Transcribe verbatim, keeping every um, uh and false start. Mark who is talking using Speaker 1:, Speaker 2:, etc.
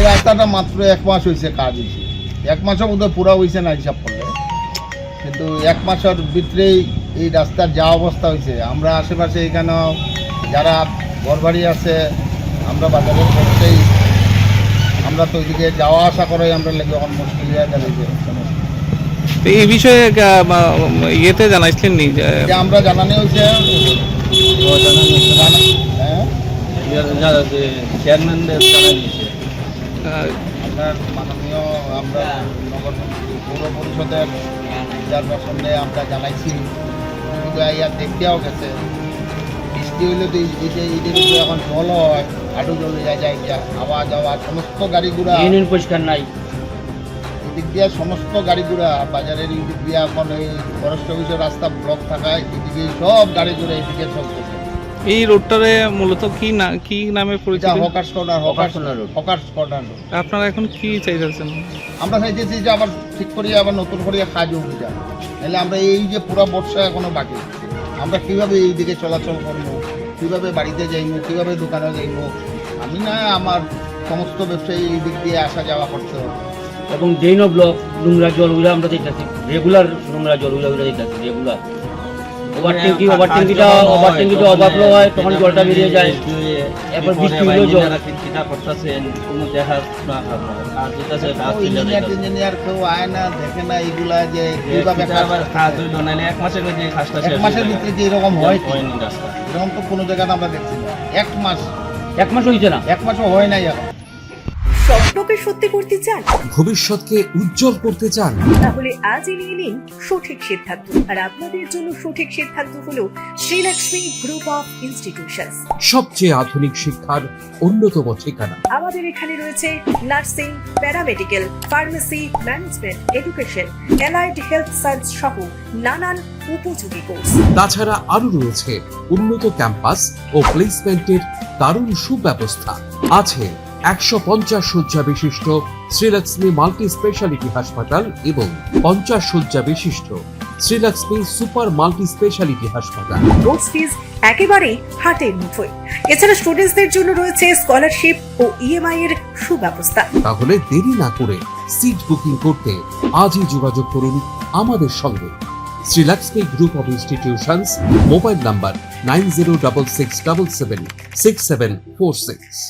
Speaker 1: রাস্তাটা মাত্র এক মাস হয়েছে কাজ হয়েছে, এক মাসও বোধহয় পুরা হয়েছে না হিসাব করলে, কিন্তু এক মাসের ভিতরেই এই রাস্তার যা অবস্থা হয়েছে। আমরা আশেপাশে এখানে যারা ঘরবাড়ি আছে, আমরা বাজারের পড়তেই আমরা তো ওইদিকে যাওয়া আসা করে আমরা লেগে এখন মুশকিল হয়ে দাঁড়িয়েছে।
Speaker 2: তো এই বিষয়ে গা- বা- ইয়েতে জানাইছিলেন নি যে
Speaker 1: যে আমরা জানানো হয়েছে হ্যাঁ
Speaker 3: চেয়ারম্যানদের জানাই দিয়েছে।
Speaker 2: আহ,
Speaker 1: আপনার মাননীয় আমরা নগর পৌর পরিষদের চেয়ারপারসনে আমরা জানাইছি, ইয়া দেখতেও গেছে। বৃষ্টি হইলে তো এই যে ঈদের উপরে এখন জল হয়, হাঁটু জল হয়ে যায়, যা আওয়া যাওয়া সমস্ত গাড়ি ঘোড়া
Speaker 3: ইউনিয়ন পরিষ্কার নাই।
Speaker 1: এদিক দিয়ে সমস্ত গাড়ি ঘোড়া বাজারের এই দিক দিয়ে এখন এই ফরেস্ট অফিসের রাস্তা ব্লক থাকায় এদিকে সব গাড়ি ঘোড়া এদিকে চলতেছে।
Speaker 2: এই রোডটারে মূলত কি না কি নামে
Speaker 1: এটা
Speaker 2: পরিচিত?
Speaker 1: Hawkers corner, hawkers corner road, hawkers corner road.
Speaker 2: আপনারা এখন কি চাইতেছেন?
Speaker 1: আমরা চাইতেছি যে আবার ঠিক করিয়ে আবার নতুন করে কাজ উঠে যায়, নাহলে আমরা এই যে পুরো বর্ষা এখনো বাকি, আমরা কিভাবে এই দিকে চলাচল করবো, কিভাবে বাড়িতে যাইবো, কিভাবে দোকানে যাইবো। আমি না আমার সমস্ত ব্যবসায়ী এই দিক দিয়ে আসা যাওয়া করতে হবে।
Speaker 3: এবং যেই ন ব্লক নোংরা জলগুলো আমরা দিতেছি, রেগুলার নোংরা জলগুলো আমরা দিতেছি রেগুলার। ওভার ট্যাঙ্কি ওভার ট্যাঙ্কিটা ওভার ট্যাঙ্কিটা ওভারফ্লো হয়, তখন জলটা বেরিয়ে যায়। এরপর বৃষ্টি হলেও জল
Speaker 4: চিন্তা করতেছেন কোনো দেখা না আর যেটাছে কাজ
Speaker 1: ইঞ্জিনিয়ার ইঞ্জিনিয়ার কেউ আয় না, দেখে না এইগুলা যে কিভাবে কাজ
Speaker 4: আবার কাজ হইল নাহলে এক মাসের মধ্যে কাজটা
Speaker 1: এক মাসের ভিতরে যে এরকম হয় কি?
Speaker 4: হয়নি রাস্তা।
Speaker 1: এরকম তো কোনো জায়গাতে আমরা দেখছি না। এক মাস
Speaker 3: এক মাস হয়েছে না।
Speaker 1: এক মাসও হয় নাই এখন।
Speaker 5: স্বপ্নকে সত্যি করতে চান,
Speaker 6: ভবিষ্যৎকে উজ্জ্বল করতে চান,
Speaker 5: তাহলে আজই নিয়ে নিন সঠিক সিদ্ধান্ত। আর আপনাদের জন্য সঠিক সিদ্ধান্ত হলো শ্রীলক্ষ্মী গ্রুপ অফ ইনস্টিটিউশনস।
Speaker 6: সবচেয়ে আধুনিক শিক্ষার অন্যতম ঠিকানা।
Speaker 5: আমাদের এখানে রয়েছে nursing, paramedical, pharmacy, management, education, allied health science সহ নানান উপযোগী কোর্স।
Speaker 6: তাছাড়া আরো রয়েছে উন্নত ক্যাম্পাস ও প্লেসমেন্টের দারুণ সুব্যবস্থা। আছে একশো পঞ্চাশ শয্যা বিশিষ্ট শ্রীলক্ষ্মী মাল্টি স্পেশালিটি হাসপাতাল এবং পঞ্চাশ শয্যা বিশিষ্ট শ্রীলক্ষ্মী সুপার মাল্টি স্পেশালিটি হাসপাতাল।
Speaker 5: কোর্স ফিস একেবারেই হাতের মুঠোয়। এছাড়া স্টুডেন্টসদের জন্য রয়েছে স্কলারশিপ ও ইএমআই এর সুব্যবস্থা।
Speaker 6: তাহলে দেরি না করে সিট বুকিং করতে আজই যোগাযোগ করুন আমাদের সঙ্গে। Srilakshmi group of institutions, mobile number nine zero double six double seven six seven four six.